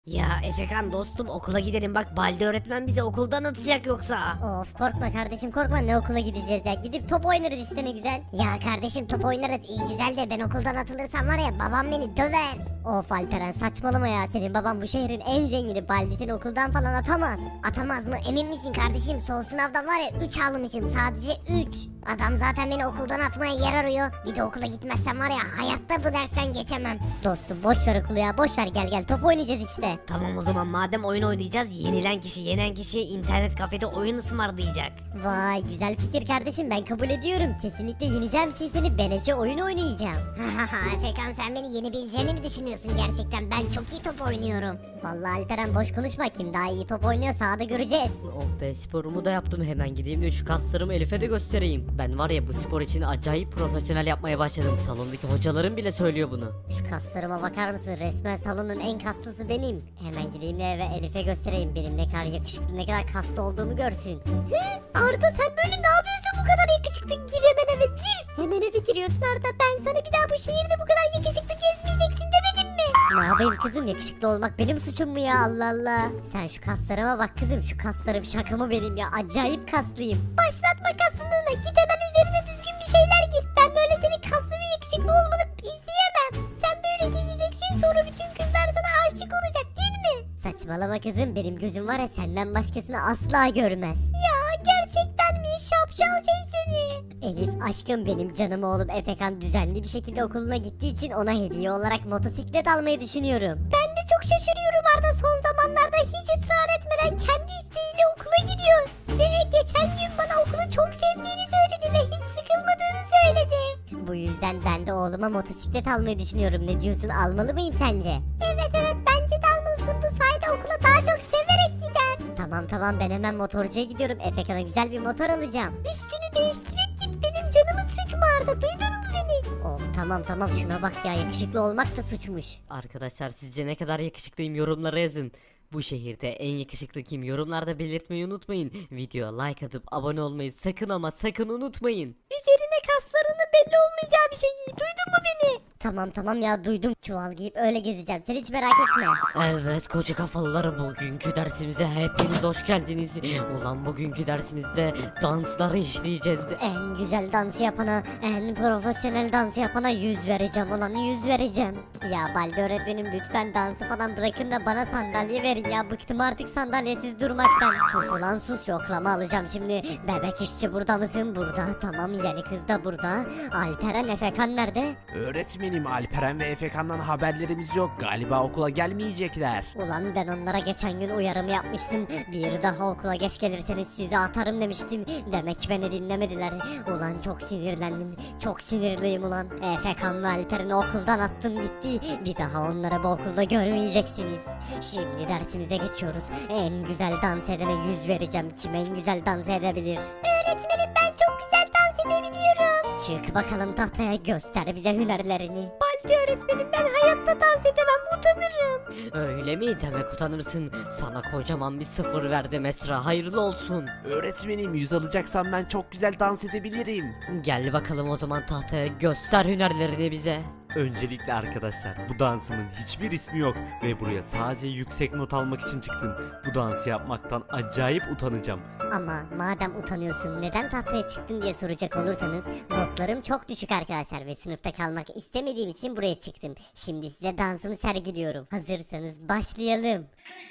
Ya Efekan dostum okula gidelim bak Balde öğretmen bizi okuldan atacak yoksa. Of korkma kardeşim korkma, ne okula gideceğiz ya, gidip top oynarız işte, ne güzel. Ya kardeşim top oynarız iyi güzel de ben okuldan atılırsam var ya babam beni döver. Of Alperen saçmalama ya, senin babam bu şehrin en zengini, Baldi seni okuldan falan atamaz. Atamaz mı, emin misin kardeşim? Son sınavdan var ya 3 almışım, sadece 3. Adam zaten beni okuldan atmaya yer arıyor. Bir de okula gitmezsem var ya hayatta bu dersten geçemem. Dostum boş ver okulu ya, boş ver, gel gel top oynayacağız işte. Tamam o zaman madem oyun oynayacağız yenilen kişi yenen kişi internet kafede oyun ısmarlayacak. Vay güzel fikir kardeşim, ben kabul ediyorum. Kesinlikle yeneceğim için seni beleşe oyun oynayacağım. Efekan sen beni yenebileceğini mi düşünüyorsun gerçekten? Ben çok iyi top oynuyorum. Vallahi Alperen boş konuşma, kim daha iyi top oynuyor sahada göreceğiz. Oh be, sporumu da yaptım, hemen gideyim de şu kaslarımı Elif'e de göstereyim. Ben var ya bu spor için acayip profesyonel yapmaya başladım. Salondaki hocalarım bile söylüyor bunu. Şu kaslarıma bakar mısın? Resmen salonun en kaslısı benim. Hemen gideyim de eve Elif'e göstereyim. Benim ne kadar yakışıklı, ne kadar kaslı olduğumu görsün. Arda sen böyle ne yapıyorsun bu kadar yakışıklı? Gir hemen eve gir. Hemen eve giriyorsun Arda. Ben sana bir daha bu şehirde bu kadar yakışıklı gezmeyeceksin demedim mi? Ne yapayım kızım, yakışıklı olmak benim suçum mu ya, Allah Allah. Sen şu kaslarıma bak kızım, şu kaslarım şaka mı benim ya, acayip kaslıyım. Başlatma kaslılığına, git hemen üzerine düzgün bir şeyler gir. Ben böyle senin kaslı ve yakışıklı olmanı izleyemem. Sen böyle gezeceksin, sonra bütün kızlar sana aşık olacak değil mi? Saçmalama kızım, benim gözüm var ya senden başkasını asla görmez. Ya gerçekten mi, şapşal şey seni. Elif aşkım, benim canım oğlum Efekan düzenli bir şekilde okuluna gittiği için ona hediye olarak motosiklet almayı düşünüyorum. Ben de çok şaşırıyorum Arda, son zamanlarda hiç ısrar etmeden kendi isteğiyle okula gidiyor. Ve geçen gün bana okulu çok sevdiğini söyledi ve hiç sıkılmadığını söyledi. Bu yüzden ben de oğluma motosiklet almayı düşünüyorum. Ne diyorsun, almalı mıyım sence? Evet bence de almalısın, bu sayede okula daha çok severek gider. Tamam ben hemen motorcuya gidiyorum. Efekan'a güzel bir motor alacağım. Üstünü değiştirip git, benim canımı sıkma Arda, duydun mu beni? Of tamam şuna bak ya, yakışıklı olmak da suçmuş. Arkadaşlar sizce ne kadar yakışıklıyım, yorumlara yazın. Bu şehirde en yakışıklı kim, yorumlarda belirtmeyi unutmayın. Videoya like atıp abone olmayı sakın ama sakın unutmayın. Üzerine kaslarının belli olmayacağı bir şey giy, duydun mu beni? Tamam ya duydum, çuval giyip öyle gezeceğim, sen hiç merak etme. Evet koca kafalılar, bugünkü dersimize hepiniz hoş geldiniz. Ulan bugünkü dersimizde dansları işleyeceğiz. En güzel dansı yapana, en profesyonel dansı yapana 100 vereceğim ulan, 100 vereceğim. Ya Balde öğretmenim lütfen dansı falan bırakın da bana sandalye verin ya, bıktım artık sandalyesiz durmaktan. Sus ulan sus, yoklama alacağım şimdi. Bebek işçi burada mısın? Burada. Tamam, yeni kız da burada. Alperen Efekan nerede? Öğretmenim, Alperen ve Efekan'dan haberlerimiz yok. Galiba okula gelmeyecekler. Ulan ben onlara geçen gün uyarımı yapmıştım. Bir daha okula geç gelirseniz sizi atarım demiştim. Demek beni dinlemediler. Ulan çok sinirlendim. Çok sinirliyim ulan. Efekan ve Alperen'i okuldan attım gitti. Bir daha onları bu okulda görmeyeceksiniz. Şimdi dersimize geçiyoruz. En güzel dans edene 100 vereceğim. Kim en güzel dans edebilir? Öğretmenim ben çok güzel dans edebiliyorum. Çık bakalım tahtaya, göster bize hünerlerini. Baldi öğretmenim ben hayatta dans edemem, utanırım. Öyle mi, demek utanırsın. Sana kocaman bir sıfır verdim Esra, hayırlı olsun. Öğretmenim, 100 alacaksan ben çok güzel dans edebilirim. Gel bakalım o zaman tahtaya, göster hünerlerini bize. Öncelikle arkadaşlar, bu dansımın hiçbir ismi yok ve buraya sadece yüksek not almak için çıktım. Bu dansı yapmaktan acayip utanacağım. Ama madem utanıyorsun, neden tahtaya çıktın diye soracak olursanız, notlarım çok düşük arkadaşlar ve sınıfta kalmak istemediğim için buraya çıktım. Şimdi size dansımı sergiliyorum. Hazırsanız başlayalım.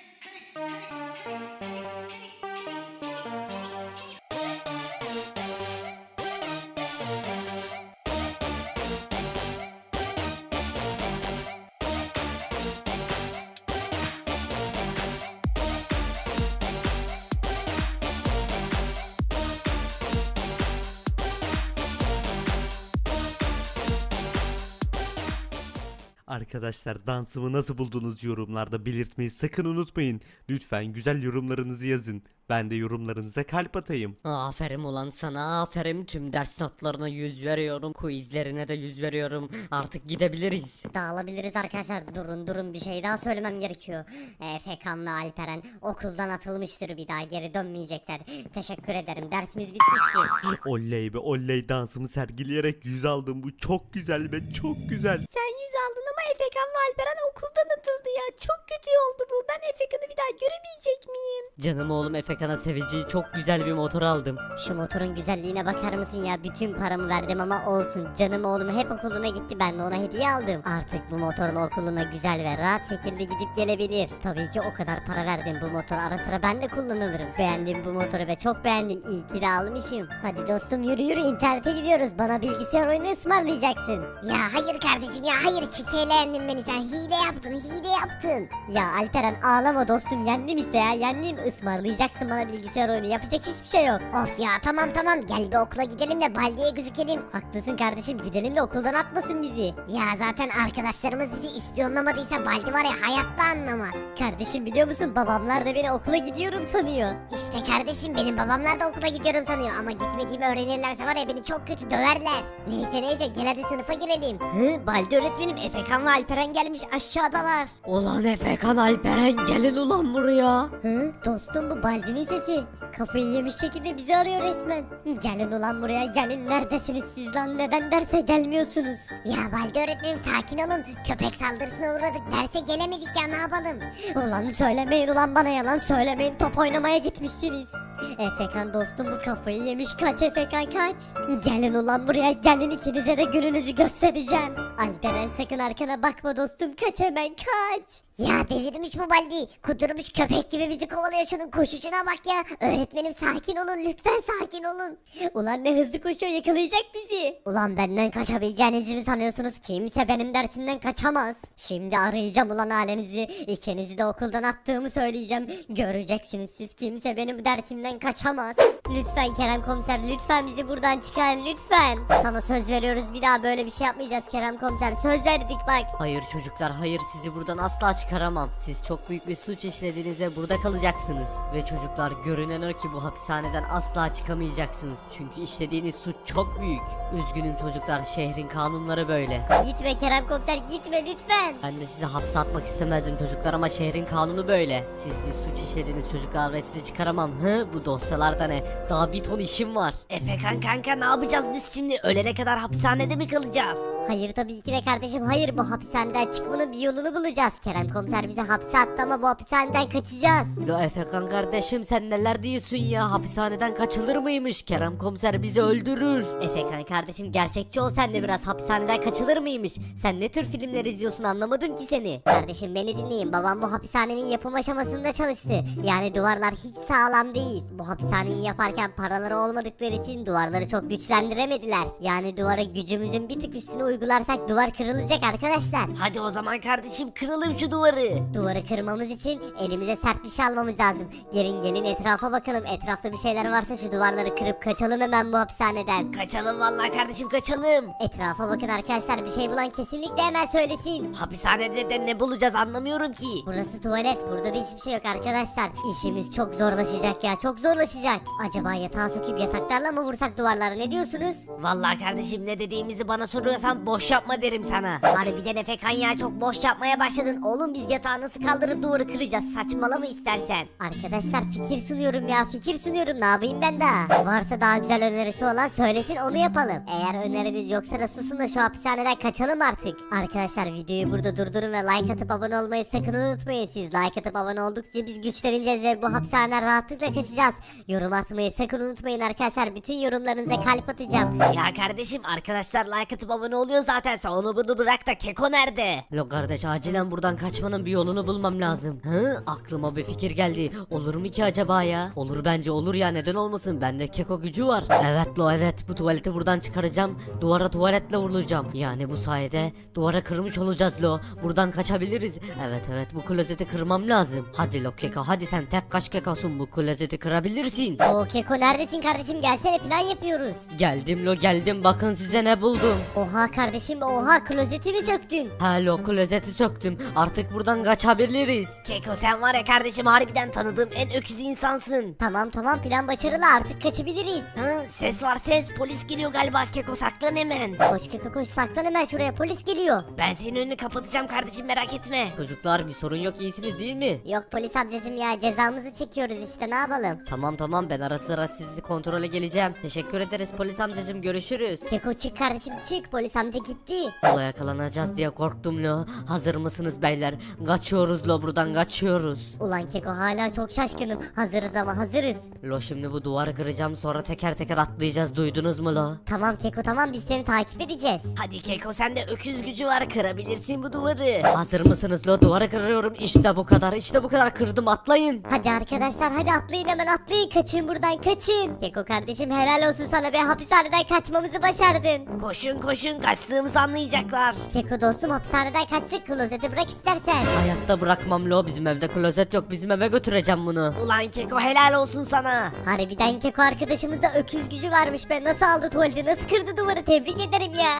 Arkadaşlar, dansımı nasıl buldunuz yorumlarda belirtmeyi sakın unutmayın. Lütfen güzel yorumlarınızı yazın. Ben de yorumlarınıza kalp atayım. Aferin ulan sana, aferin. Tüm ders notlarına 100 veriyorum. Quizlerine de 100 veriyorum. Artık gidebiliriz. Dağılabiliriz arkadaşlar. Durun bir şey daha söylemem gerekiyor. Efekan ve Alperen okuldan atılmıştır, bir daha geri dönmeyecekler. Teşekkür ederim, dersimiz bitmiştir. Oley be oley, dansımı sergileyerek 100 aldım. Bu çok güzel be, çok güzel. Sen 100 aldın ama Efekan ve Alperen okuldan atıldı ya. Çok kötü oldu bu. Ben Efekan'ı bir daha göremeyecek miyim? Canım oğlum Efekan'a seveceği çok güzel bir motor aldım. Şu motorun güzelliğine bakar mısın ya? Bütün paramı verdim ama olsun. Canım oğlum hep okuluna gitti, ben de ona hediye aldım. Artık bu motorla okuluna güzel ve rahat şekilde gidip gelebilir. Tabii ki o kadar para verdim, bu motor ara sıra ben de kullanılırım. Beğendim bu motoru ve çok beğendim. İyi ki de almışım. Hadi dostum yürü internete gidiyoruz. Bana bilgisayar oyunu ısmarlayacaksın. Ya hayır kardeşim ya hayır. Çikeyle yendin beni sen. Hile yaptın. Ya Alperen ağlama dostum, yendim işte ya, yendim. Ismarlayacaksın bana bilgisayar oyunu, yapacak hiçbir şey yok. Of ya tamam gel bir okula gidelim de Baldi'ye gözükelim. Haklısın kardeşim, gidelim de okuldan atmasın bizi. Ya zaten arkadaşlarımız bizi ispiyonlamadıysa Baldi var ya hayatta anlamaz. Kardeşim biliyor musun, babamlar da beni okula gidiyorum sanıyor. İşte kardeşim benim babamlar da okula gidiyorum sanıyor ama gitmediğimi öğrenirlerse var ya beni çok kötü döverler. Neyse gel hadi sınıfa girelim. Baldi öğretmenim, Efekan ve Alperen gelmiş, aşağıdalar. Ulan Efekan, Alperen gelin ulan buraya. Dostum bu Baldi'nin sesi. Kafayı yemiş şekilde bizi arıyor resmen. Gelin ulan buraya, gelin, neredesiniz siz lan, neden derse gelmiyorsunuz? Ya Baldi öğretmenim sakin olun. Köpek saldırısına uğradık. Derse gelemedik ya ne yapalım? Ulan söylemeyin ulan, bana yalan söylemeyin, top oynamaya gitmişsiniz. Efekan dostum bu kafayı yemiş, kaç Efekan kaç. Gelin ulan buraya, gelin, ikinize de gününüzü göstereceğim. Alperen sakın arkana bakma dostum, kaç hemen kaç. Ya delirmiş bu Baldi. Kudurmuş köpek gibi bizi kovalıyor, şunun koşuşuna bak ya. Öğretmenim sakin olun lütfen, sakin olun. Ulan ne hızlı koşuyor, yakalayacak bizi. Ulan benden kaçabileceğinizi mi sanıyorsunuz? Kimse benim dersimden kaçamaz. Şimdi arayacağım ulan ailenizi. İkinizi de okuldan attığımı söyleyeceğim. Göreceksiniz siz, kimse benim dersimden kaçamaz. Lütfen Kerem komiser, lütfen bizi buradan çıkar lütfen. Sana söz veriyoruz, bir daha böyle bir şey yapmayacağız Kerem komiser. Söz verdik bak. Hayır çocuklar, hayır, sizi buradan asla çıkaramam. Siz çok büyük bir suç işlediğinizde burada kalacaksınız. Ve çocuklar, görünen o ki bu hapishaneden asla çıkamayacaksınız. Çünkü işlediğiniz suç çok büyük. Üzgünüm çocuklar, şehrin kanunları böyle. Gitme Kerem komiser, gitme lütfen. Ben de sizi hapse atmak istemezdim çocuklar ama şehrin kanunu böyle. Siz bir suç işlediniz çocuklar ve sizi çıkaramam. Bu dosyalarda ne? Daha bir ton işim var. Efekan kanka ne yapacağız biz şimdi? Ölene kadar hapishanede mi kalacağız? Hayır tabii ki de kardeşim, hayır, bu hapishaneden çıkmanın bir yolunu bulacağız. Kerem komiser bizi hapse attı ama bu hapishaneden kaçacağız. Lo Efekan kardeşim, sen neler diyorsun ya? Hapishaneden kaçılır mıymış? Kerem komiser bizi öldürür. Efekan kardeşim, gerçekçi ol sen de biraz, hapishaneden kaçılır mıymış? Sen ne tür filmler izliyorsun, anlamadım ki seni. Kardeşim beni dinleyin, babam bu hapishanenin yapım aşamasında çalıştı. Yani duvarlar hiç sağlam değil. Bu hapishaneyi yaparken paraları olmadıkları için duvarları çok güçlendiremediler. Yani duvara gücümüzün bir tık üstüne uygularsak duvar kırılacak arkadaşlar. Hadi o zaman kardeşim kıralım şu duvarı. Duvarı kırmamız için elimize sert bir şey almamız lazım. Gelin etrafa bakalım. Etrafta bir şeyler varsa şu duvarları kırıp kaçalım hemen bu hapishaneden. Kaçalım vallahi kardeşim kaçalım. Etrafa bakın arkadaşlar, bir şey bulan kesinlikle hemen söylesin. Hapishanede de ne bulacağız anlamıyorum ki. Burası tuvalet, burada da hiçbir şey yok arkadaşlar. İşimiz çok zorlaşacak ya, çok zorlaşacak. Acaba yatağa söküp yataklarla mı vursak duvarları, ne diyorsunuz? Vallahi kardeşim ne dediğimizi bana soruyorsan boş yapma derim sana. Harbiden Efekan ya çok boş yapmaya başladın. Oğlum biz yatağı nasıl kaldırıp duvarı kıracağız? Saçmalama istersen. Arkadaşlar fikir sunuyorum ya, fikir sunuyorum, ne yapayım ben daha? Varsa daha güzel önerisi olan söylesin, onu yapalım. Eğer öneriniz yoksa da susun da şu hapishaneden kaçalım artık. Arkadaşlar videoyu burada durdurun ve like atıp abone olmayı sakın unutmayın. Siz like atıp abone oldukça biz güçleneceğiz ve bu hapishaneden rahatlıkla kaçacağız. Yorum atmayı sakın unutmayın arkadaşlar, bütün yorumlarınıza kalp atacağım. Ya kardeşim arkadaşlar like atıp abone oluyor zaten, sen onu bunu bırak da Keko nerede? Lo kardeş, acilen buradan kaçmanın bir yolunu bulmam lazım. Aklıma bir fikir geldi. Olur mu ki acaba ya? Olur, bence olur ya, neden olmasın? Bende keko gücü var. Evet lo, evet, bu tuvaleti buradan çıkaracağım. Duvara tuvaletle vurulacağım. Yani bu sayede duvara kırmış olacağız lo. Buradan kaçabiliriz. Evet, bu klozeti kırmam lazım. Hadi lo keko, hadi sen tek kaç kekosun, bu klozeti kırabilirsin. O Keko neredesin kardeşim, gelsene, plan yapıyoruz. Geldim lo, geldim, bakın size ne buldum. Oha kardeşim, oha klozeti mi söktün? Halo klozeti söktüm. Artık buradan kaçabiliriz. Keko sen var ya kardeşim harbiden tanıdığım en öküz insansın. Tamam plan başarılı artık kaçabiliriz. Hı, ses var ses polis geliyor galiba Keko saklan hemen. Koş Keko koş saklan hemen şuraya polis geliyor. Ben senin önünü kapatacağım kardeşim merak etme. Çocuklar bir sorun yok, iyisiniz değil mi? Yok polis amcacım ya cezamızı çekiyoruz işte ne yapalım. Tamam ben ara sıra sizi kontrole geleceğim. Teşekkür ederiz polis amcacım, görüşürüz. Keko çık kardeşim çık polis amca gitti. Ola yakalanacağız diye korktum lo. Hazır mısınız beyler? Kaçıyoruz lo, buradan kaçıyoruz. Ulan Keko hala çok şaşkınım. Hazırız ama hazırız. Lo şimdi bu duvarı kıracağım, sonra teker teker atlayacağız, duydunuz mu lo? Tamam Keko tamam biz seni takip edeceğiz. Hadi Keko sende öküz gücü var kırabilirsin bu duvarı. Hazır mısınız lo? Duvarı kırıyorum, işte bu kadar, işte bu kadar, kırdım, atlayın. Hadi arkadaşlar hadi atlayın hemen atlayın kaçın buradan kaçın. Keko kardeşim helal olsun sana be hapishaneden kaçmamızı başardın. Koşun kaçtığımızı anlayacaklar. Keko dostum hapishaneden kaçtık klozeti bırak istersen. Hayatta bırakmam lo, bizim evde klozet yok, bizim eve götüreceğim bunu. Ulan Keko helal olsun sana. Harbiden Keko arkadaşımızda öküz gücü varmış be nasıl aldı tuvaleti nasıl kırdı duvarı tebrik ederim ya.